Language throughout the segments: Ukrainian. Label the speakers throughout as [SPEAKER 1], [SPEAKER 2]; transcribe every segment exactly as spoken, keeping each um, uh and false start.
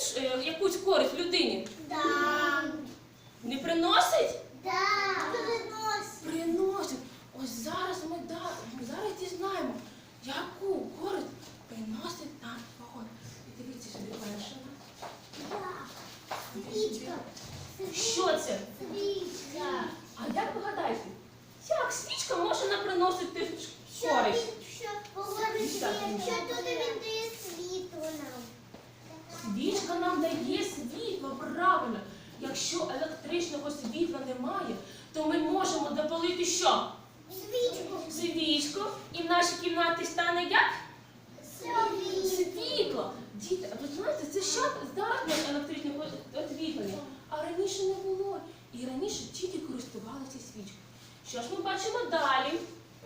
[SPEAKER 1] приносить е, якусь користь людині?
[SPEAKER 2] Да.
[SPEAKER 1] Не приносить?
[SPEAKER 2] Да. Приносить.
[SPEAKER 1] Приносить. Ось зараз ми да, зараз дізнаємо, яку користь приносить нам вогонь. І дивіться сюди перше.
[SPEAKER 2] Да. Свічка.
[SPEAKER 1] Що це?
[SPEAKER 2] Свічка.
[SPEAKER 1] А як ви гадаєте, як свічка може нам приносити
[SPEAKER 2] Що
[SPEAKER 1] користь?
[SPEAKER 2] він- що говорить, що туди він дає світло нам.
[SPEAKER 1] Свічка нам дає світло, правильно. Якщо електричного світла немає, то ми можемо запалити що?
[SPEAKER 2] Свічку.
[SPEAKER 1] Свічку. І в нашій кімнаті стане як?
[SPEAKER 2] Свічку.
[SPEAKER 1] Світло. Діти, а ви знаєте, це що зараз на електричне освітлення? А раніше не було. І раніше тільки користувалися свічкою. Що ж ми бачимо далі?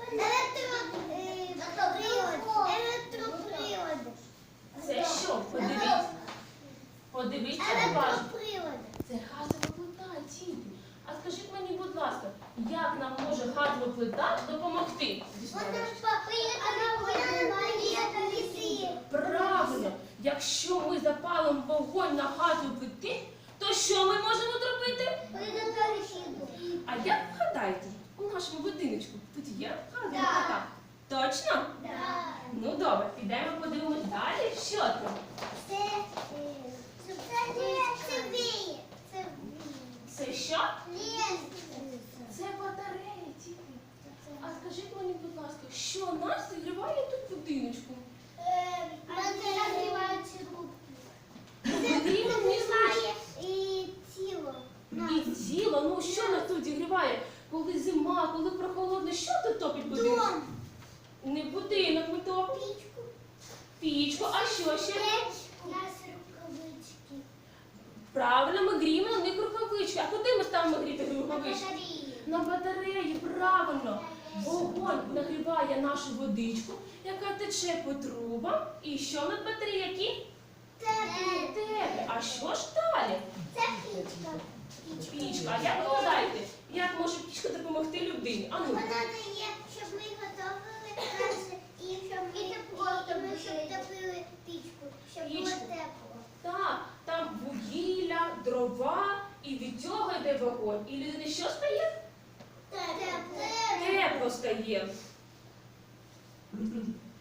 [SPEAKER 2] Електропривод. Електропривод.
[SPEAKER 1] Це що? Подивіться. Подивіться уважно.
[SPEAKER 2] Електропривод.
[SPEAKER 1] Це газова плита, діти. А скажіть мені, будь ласка, як нам може газова плита допомогти?
[SPEAKER 2] Вона поїхала ліси.
[SPEAKER 1] Правильно, якщо ми запалимо вогонь на газовій плиті, то що ми можемо зробити? А як ви гадаєте, у нашому будиночку тут є газова
[SPEAKER 2] Да.
[SPEAKER 1] плита? Точно?
[SPEAKER 2] Да.
[SPEAKER 1] Ну добре, підемо подивимось далі. Що там?
[SPEAKER 2] Це е, це це віє. Це
[SPEAKER 1] Це що?
[SPEAKER 2] ліс.
[SPEAKER 1] Це батареї, діти. А скажіть мені, будь ласка, що нас зігріває тут в будиночку?
[SPEAKER 2] Мене нагріваються руки.
[SPEAKER 1] Потрібно не знає.
[SPEAKER 2] І тіло.
[SPEAKER 1] І тіло, ну що нас тут зігріває? Коли зима, коли прохолодно, що тут топить будинок?
[SPEAKER 2] Дом.
[SPEAKER 1] Не будинок ми топимо.
[SPEAKER 2] Пічку.
[SPEAKER 1] Пічку, а що ще?
[SPEAKER 2] У нас рукавички.
[SPEAKER 1] Правильно, ми гріємо на них рукавички. А куди ми ставимо гріти рукавички?
[SPEAKER 2] Батареї.
[SPEAKER 1] На батареї, правильно. Вогонь нагріває нашу водичку, яка тече по трубам. І що на батареї які?
[SPEAKER 2] Теплі.
[SPEAKER 1] Теплі. А що ж далі?
[SPEAKER 2] Це пічка.
[SPEAKER 1] Пічка. А як ви гадаєте, як може пічка допомогти людині? А ну.
[SPEAKER 2] Вона дає, щоб ми готували краще і щоб ми, і ми щоб топили пічку, щоб було
[SPEAKER 1] Пічку.
[SPEAKER 2] тепло.
[SPEAKER 1] Так, там вугілля, дрова, і від цього йде вогонь. І людині що стає?
[SPEAKER 2] Тепло.
[SPEAKER 1] Тепло стає.